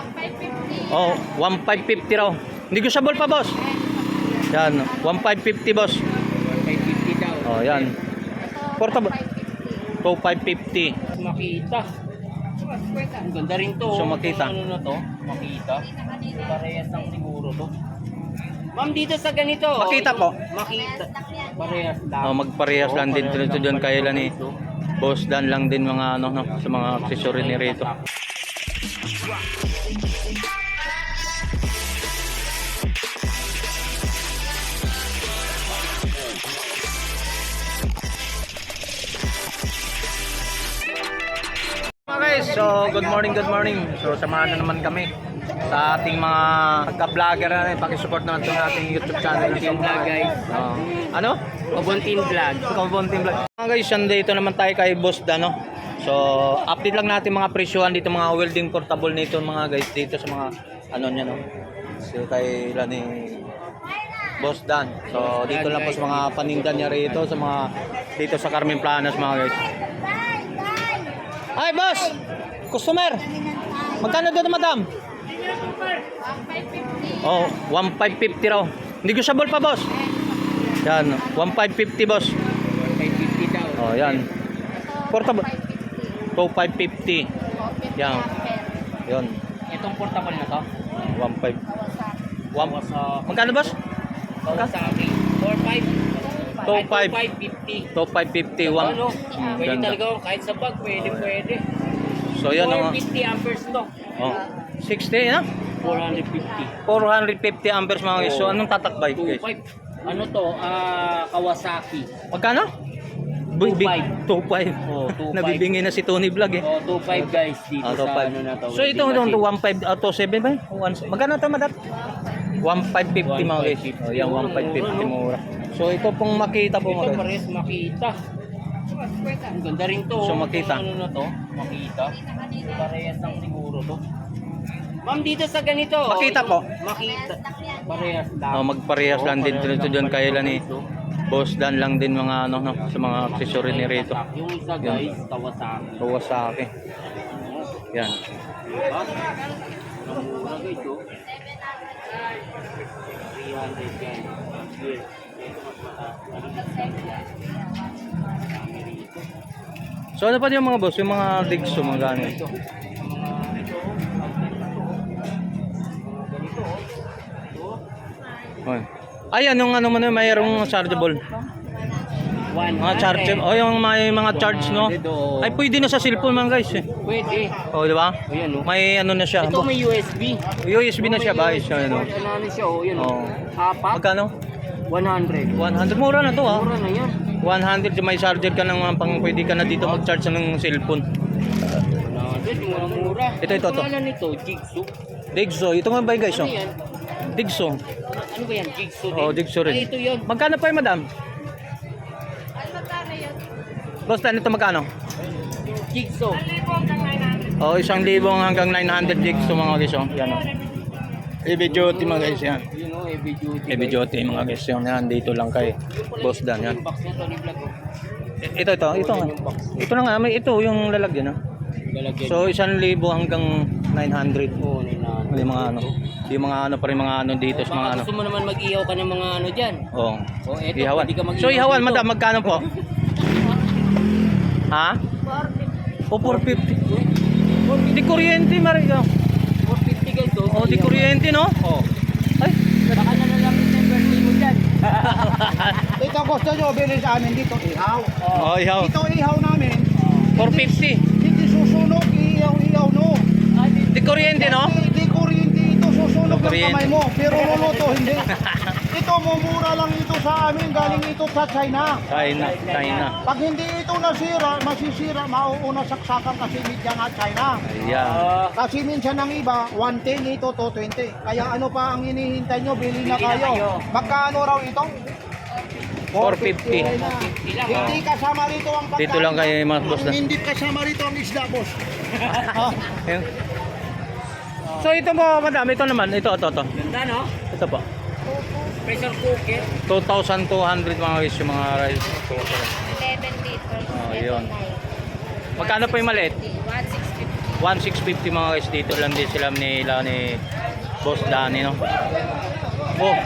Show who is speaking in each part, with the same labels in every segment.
Speaker 1: Oh, 1,550 raw. Negotiable pa, boss. Yan, 1,550, boss.
Speaker 2: 550 daw.
Speaker 1: Oh, yan. Portable. 2,550.
Speaker 2: Makita. Ang ganda rin to.
Speaker 1: So, makita.
Speaker 2: Ano na to? Makita. Parehas lang siguro to. Ma'am, dito sa ganito.
Speaker 1: Makita po.
Speaker 2: Makita. Parehas lang.
Speaker 1: Oh, magparehas lang din dito dyan kaya lang ni Boss Dan lang din mga ano no, sa mga accessory ni rito. Okay, so good morning. So samahan na naman kami sa ating mga pagka-vlogger na paki-support naman itong ating YouTube channel.
Speaker 2: Kabuntin vlog, guys.
Speaker 1: Ano?
Speaker 2: Kabuntin vlog.
Speaker 1: Kabuntin vlog. Mga guys, dito naman tayo kay Boss Dan, no? So, update lang natin mga presyohan dito, mga welding portable nito mga guys dito sa mga ano niya, no? So, kay ni Boss Dan. So, dito lang po sa mga paninda niya rito sa mga dito sa Carmen Planas mga guys. Ay, boss! Customer! Magkano dito, madam? Oh, 1,550 raw. Negotiable pa, boss. Yan, 1,550, boss.
Speaker 2: 550 daw.
Speaker 1: Oh, yan. Portable. 2,550. Yan. Yon.
Speaker 2: Itong portable na to.
Speaker 1: 1,500. Magkano, boss?
Speaker 2: Kawasaki. 4,500.
Speaker 1: 2,550. 2,550.
Speaker 2: Ano? Pwede
Speaker 1: Ganda.
Speaker 2: talaga kahit sa bag. Pwede.
Speaker 1: So, yan ang
Speaker 2: 450 amperes to.
Speaker 1: oh, 60, ha?
Speaker 2: 450.
Speaker 1: 450 amperes mga guys. So, anong tatakbay, guys?
Speaker 2: 2.5. Ano to? Kawasaki.
Speaker 1: Magkano?
Speaker 2: 2,500.
Speaker 1: 2,500.
Speaker 2: Oh, 2,500.
Speaker 1: Nabibingin na si Tony Vlog eh.
Speaker 2: Oh, 2.5 guys dito sa
Speaker 1: 2,500.
Speaker 2: ano na to.
Speaker 1: So ito
Speaker 2: Welding
Speaker 1: itong
Speaker 2: machine.
Speaker 1: 1,500 to 7 ba? Magkano ito madam? 1,550 mga guys.
Speaker 2: 1,550.
Speaker 1: Oh, yung 1,550 mura. So ito pong makita po
Speaker 2: Ito
Speaker 1: mga guys.
Speaker 2: pares makita. Ang ganda rin to.
Speaker 1: So, makita.
Speaker 2: Ano na to? Makita. Parehas lang siguro to. Ma'am, dito sa ganito.
Speaker 1: Makita po.
Speaker 2: Makita. Parehas lang.
Speaker 1: Oh, magparehas lang din dito dyan kaya lang ni Boss Dan lang din mga ano no, sa mga accessory ni rito.
Speaker 2: Yung isa guys, Kawasaki.
Speaker 1: Kawasaki. Yan.
Speaker 2: Diba? Namura guys oh. 300 guys. Yes. Ito mas mataas.
Speaker 1: So ano pa yung mga boss, yung mga Digso mga gano'n.
Speaker 2: Ito.
Speaker 1: Okay. Ayan yung ano mo na mayroong chargeable. Mga charge, oh yung mga charge no. Ay pwede na sa cellphone man guys eh.
Speaker 2: Pwede.
Speaker 1: Oh, di ba?
Speaker 2: Ayan, oh.
Speaker 1: May ano na siya.
Speaker 2: Ito may USB.
Speaker 1: USB na siya ba? Ano?
Speaker 2: Ano siya oh, yun.
Speaker 1: Oh.
Speaker 2: Apat.
Speaker 1: Magkano?
Speaker 2: 100.
Speaker 1: 100 mura na to ha.
Speaker 2: Mura na yan.
Speaker 1: 100 may charger ka ng pang pwede ka na dito mag-charge ng cellphone.
Speaker 2: 100, yung mga mura.
Speaker 1: Ito.
Speaker 2: Pangalan nito, Jigsaw.
Speaker 1: Digso, ito nga ba guys oh?
Speaker 2: Ano yan?
Speaker 1: Digso.
Speaker 2: Ano ba yan? Jigsaw din?
Speaker 1: Oh, Digso rin.
Speaker 2: Ay, ito yun.
Speaker 1: Magkano pa 'yung madam? Boss, ito magkano?
Speaker 2: Jigsaw.
Speaker 1: Oh, 1,000 hanggang 900 Digso mga guys oh. Yan oh. Heavy duty mga guys yan.
Speaker 2: Yun o, heavy duty.
Speaker 1: Heavy duty mga guys yan. Dito lang kay Boss Dan yan.
Speaker 2: Yung box niya, Tony Vlog oh.
Speaker 1: Ito nga. Ito na nga, may ito yung lalagyan ah.
Speaker 2: Lalagyan.
Speaker 1: So 1,000 hanggang 900.
Speaker 2: Oo, na.
Speaker 1: Yung mga ano. Yung mga ano pa rin mga ano dito sa mga
Speaker 2: Baka
Speaker 1: ano.
Speaker 2: gusto mo naman mag-ihaw ka ng mga ano dyan.
Speaker 1: Oh.
Speaker 2: Oh, eto,
Speaker 1: Ihawan.
Speaker 2: pwede ka mag-ihaw
Speaker 1: So ihawan
Speaker 2: dito.
Speaker 1: madam, magkano po? Ha? O 450. Di kuryente Mario.
Speaker 2: 450 guys oh.
Speaker 1: Oh, di kuryente no?
Speaker 2: Oh.
Speaker 1: Ay,
Speaker 2: Baka na lang yung birthday mo dyan.
Speaker 3: Ito gusto nyo bilhin sa amin dito, ihaw.
Speaker 1: oh, ihaw.
Speaker 3: Ito ihaw namin,
Speaker 1: 450.
Speaker 3: hindi susunog, ihaw no.
Speaker 1: Di kuryente no?
Speaker 3: Hindi kuryente ito, susunog ng
Speaker 1: Kuryente.
Speaker 3: kamay mo, pero luluto hindi. Ito, mumura lang ito sa amin, galing ito sa China.
Speaker 1: China.
Speaker 3: Pag hindi ito nasira, masisira, mauuna saksakan kasi media nga China.
Speaker 1: Ayan.
Speaker 3: Kasi minsan ng iba, 110 ito, 220. Kaya ano pa ang hinihintay nyo, bili na
Speaker 2: Bili na kayo.
Speaker 3: kayo. Magkano raw ito?
Speaker 1: 450.
Speaker 3: na. Hindi kasama rito ang pagkain.
Speaker 1: Dito lang kayo mga boss na.
Speaker 3: Hindi kasama rito ang isda, boss.
Speaker 1: Ayun. So ito mo madam, ito naman, ito.
Speaker 2: Ganda no?
Speaker 1: Ito po.
Speaker 2: Pressure cooker.
Speaker 1: 2,200 mga guys yung mga rice cooker.
Speaker 4: 11 liters.
Speaker 1: Oh, yun. Magkano po yung maliit?
Speaker 4: 1,650.
Speaker 1: 1,650 mga guys. Dito lang din sila nila ni Boss Danny, no? Oh.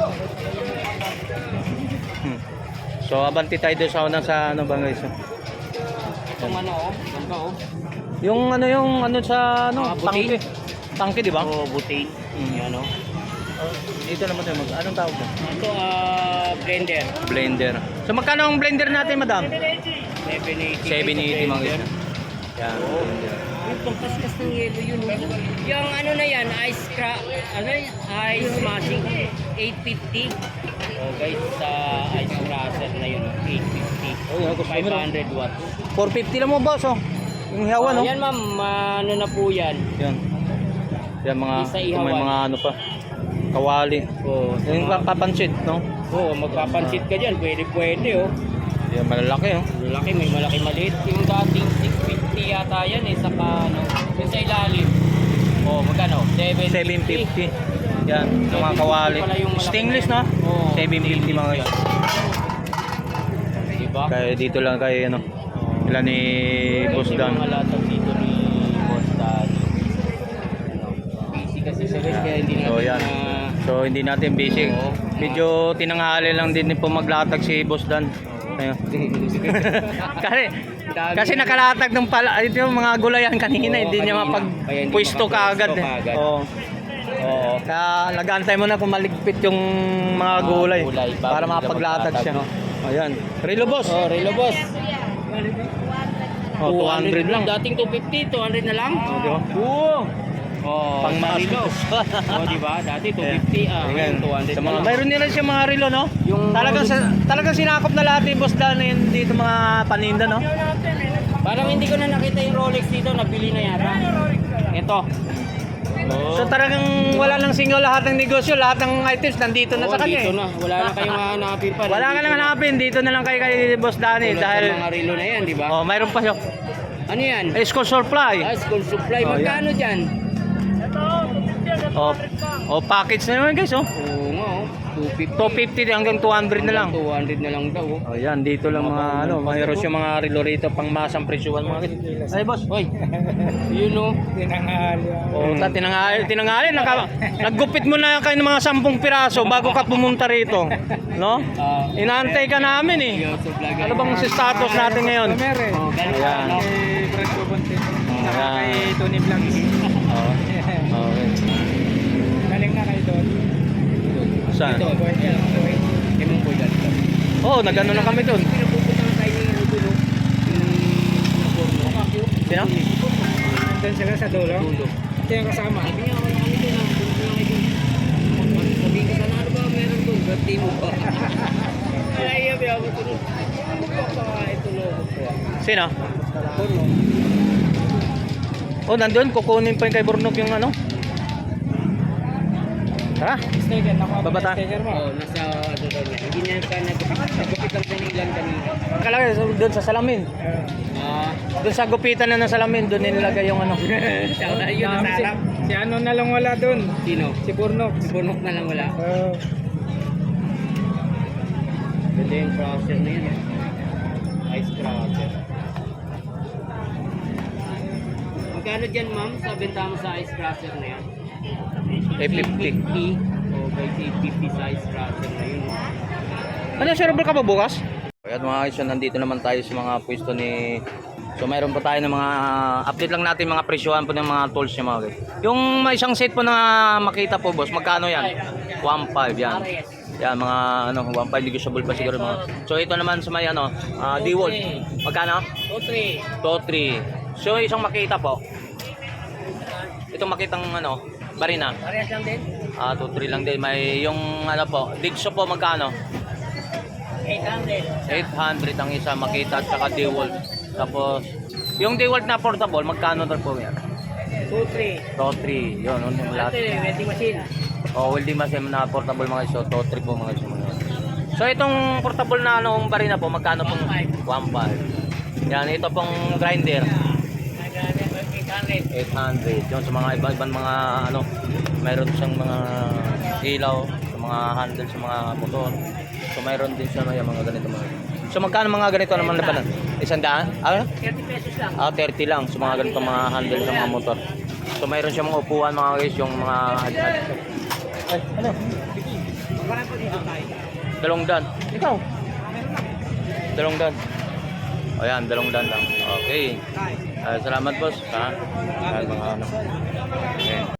Speaker 1: So abanti tayo doon sa unang sa ano ba guys?
Speaker 2: Itong ano, oh. Ganda, oh.
Speaker 1: Yung ano sa ano,
Speaker 2: Butane.
Speaker 1: tangke. Tangke, di ba?
Speaker 2: Oh, butane. Yan, oh.
Speaker 1: Dito naman tayo anong tawag mo?
Speaker 2: Ito, blender.
Speaker 1: Blender. So magkano ang blender natin, madam?
Speaker 2: 780.
Speaker 1: 780 mga guys. Yan. Blender.
Speaker 2: Yung pangkaskas ng yelo yun, oh. Yung ano na yan, ice smashing, 850. Oh guys, sa ice crusher na yun, 850.
Speaker 1: Oh, yan, gusto mo
Speaker 2: 500 watts.
Speaker 1: 450 lang mo, boss, oh. Yung hiyawan, no?
Speaker 2: Yan ma'am, ano na po yan.
Speaker 1: Yan. Yan mga,
Speaker 2: Isa
Speaker 1: kung may
Speaker 2: ihawan.
Speaker 1: mga ano pa. Kawali.
Speaker 2: Oh,
Speaker 1: Yung papansit, no?
Speaker 2: oh, magpapansit ka dyan, pwede, oh.
Speaker 1: Yan, malalaki, oh.
Speaker 2: Malaki, may malaki maliit. Yung dating 650 yata yan eh, saka ano, yung sa ilalim. Oh, magkano? 750.
Speaker 1: 750. Yan, yung mga kawali.
Speaker 2: Pala yung malaki
Speaker 1: Stainless,
Speaker 2: na
Speaker 1: no?
Speaker 2: yan. Oo,
Speaker 1: 750 mga guys.
Speaker 2: Diba?
Speaker 1: Kaya dito lang kay, ano, ilan ni Boss
Speaker 2: Yung
Speaker 1: Dan.
Speaker 2: mga latag dito ni Boss Dan. Busy kasi siya guys, kaya hindi natin
Speaker 1: So, yan. So hindi natin busy.
Speaker 2: Oo.
Speaker 1: Medyo tinanghali lang din po maglatag si Boss Dan. Ayun. kasi nakalatag ng pala ito yung mga gulayan kanina,
Speaker 2: Oo,
Speaker 1: hindi niya
Speaker 2: kanina. Kaya hindi
Speaker 1: mapagpwisto kaagad.
Speaker 2: makapwesto kaagad.
Speaker 1: Oo. Oo. Kaya nag-aantay mo na kung maligpit yung mga gulay,
Speaker 2: gulay bago
Speaker 1: para
Speaker 2: nila
Speaker 1: mapaglatag siya.
Speaker 2: maglatag,
Speaker 1: Ayan. Relo boss.
Speaker 2: Oh, Relo Boss.
Speaker 1: Oh, 200 lang.
Speaker 2: Dating 250, 200 na lang.
Speaker 1: Oh, di ba?
Speaker 2: Oo. Oh,
Speaker 1: Pang
Speaker 2: sa Relo. Oh, di ba? Dati 250,
Speaker 1: Ayan.
Speaker 2: 200
Speaker 1: Sa
Speaker 2: na
Speaker 1: mga,
Speaker 2: lang.
Speaker 1: mayroon din siya mga relo, no?
Speaker 2: Yung
Speaker 1: Talagang sinakop na lahat yung Boss Dan na yun dito mga paninda, no?
Speaker 2: Parang hindi ko na nakita yung Rolex dito, nabili na yata. Ito.
Speaker 1: So talagang wala nang singaw lahat ng negosyo, lahat ng items nandito na sa kanya.
Speaker 2: Dito
Speaker 1: eh.
Speaker 2: na. Wala na kayong hahanapin pa.
Speaker 1: Wala ka nang hanapin, dito na lang kay Boss Danny
Speaker 2: Tulad
Speaker 1: dahil
Speaker 2: sa mga relo na yan, di ba?
Speaker 1: oh, mayroon pa siya.
Speaker 2: Ano yan?
Speaker 1: School supply.
Speaker 2: School supply.
Speaker 1: Oh,
Speaker 2: Magkano dyan?
Speaker 1: Oh, package na naman guys, oh.
Speaker 2: Oo nga, oh. 250.
Speaker 1: 250 hanggang 200 na lang.
Speaker 2: 200 na lang daw, oh.
Speaker 1: Oh, yan dito lang mga ano, mayroon siya mga relo rito pang masang presyuhan mga guys. Ay, boss.
Speaker 2: Hoy. Yun, oh.
Speaker 1: Oh, tinangali naggupit mo na kayo ng mga 10 piraso bago ka pumunta rito, no? Inaantay ka namin eh. Ano bang status natin ngayon?
Speaker 2: Oh, ganun
Speaker 1: Ayan.
Speaker 2: ano?
Speaker 1: Ayan.
Speaker 3: Tony Vlogs.
Speaker 1: Oh. Okay.
Speaker 3: Galing na kayo doon.
Speaker 1: Saan?
Speaker 2: Ito, kay Mong Boy dati.
Speaker 1: Oh, nagano na kami doon.
Speaker 2: Pinapupunta na tayo ni Rudulo. Yung porno.
Speaker 1: Sino?
Speaker 3: Doon sila sa dulo.
Speaker 2: Dulo.
Speaker 3: Ito yung kasama.
Speaker 2: Sabi niya, wala kami doon. Sabi ko sana, ano ba meron doon? Birthday mo ba? Ay, yabi ako tulog. Ano ba pa ito logo ko?
Speaker 1: Sino?
Speaker 2: Porno.
Speaker 1: Oh, nandun. Kukunin pa yung kay Burnok yung ano. Tara.
Speaker 3: Sticker.
Speaker 1: Babata.
Speaker 3: Sticker mo.
Speaker 2: Oo, nasa ano daw niya. Hindi niya ka nagupit lang sa ilan kanina.
Speaker 1: Nakalagay doon sa salamin. Doon sa gupitan na ng salamin, doon nilagay yung ano.
Speaker 2: Yun ang sarap.
Speaker 3: Si ano na lang wala doon.
Speaker 2: Sino?
Speaker 3: Si Burnok.
Speaker 2: Si Burnok na lang wala. Ganda yung crusher na yun. Ice crusher. Magkano dyan ma'am sa benta mo sa ice crusher na yan?
Speaker 1: 850.
Speaker 2: 850. O guys, 850 sa ice crusher na yun.
Speaker 1: Ano, server ka pa bukas? Ayan mga guys, nandito naman tayo sa mga pwesto ni... So mayroon po tayo ng mga... Update lang natin mga presyohan po ng mga tools niya mga guys. Yung may isang set po na makita po boss, magkano yan? 1.5 yan. Yan mga ano, 1.5 negotiable pa siguro mga. So ito naman sa may ano, D-Wall. Magkano?
Speaker 2: 2-3.
Speaker 1: 2.3. So isang makita po. Itong makitang ano, barina.
Speaker 2: Parehas lang din?
Speaker 1: 2.3 lang din. May yung ano po, Digso po magkano?
Speaker 2: 800.
Speaker 1: 800 ang isa makita at saka D-Wall. Tapos yung D-Wall na portable, magkano daw po yan?
Speaker 2: 2-3.
Speaker 1: 2.3. Yun, yung lahat.
Speaker 2: Welding machine.
Speaker 1: Welding machine na portable mga iso, 2.3 po mga iso mga. So itong portable na anong barina po, magkano pong 1.5. Yan, ito pong grinder. 800. Yun sa mga iba-ibang mga ano, mayroon siyang mga ilaw, sa mga handle sa mga motor. So mayroon din siya mga ganito mga. So magkano mga ganito naman na pala? 100? Ah,
Speaker 2: 30 pesos lang.
Speaker 1: 30 lang. So mga ganito mga handle ng mga motor. So mayroon siyang mga upuan mga guys, yung mga... Ay, ano?
Speaker 2: Parang po dito tayo.
Speaker 1: 200. Ikaw? 200. Ayan, 200 lang. Okay. Salamat boss. Ha? Ayan, mga ano. Okay.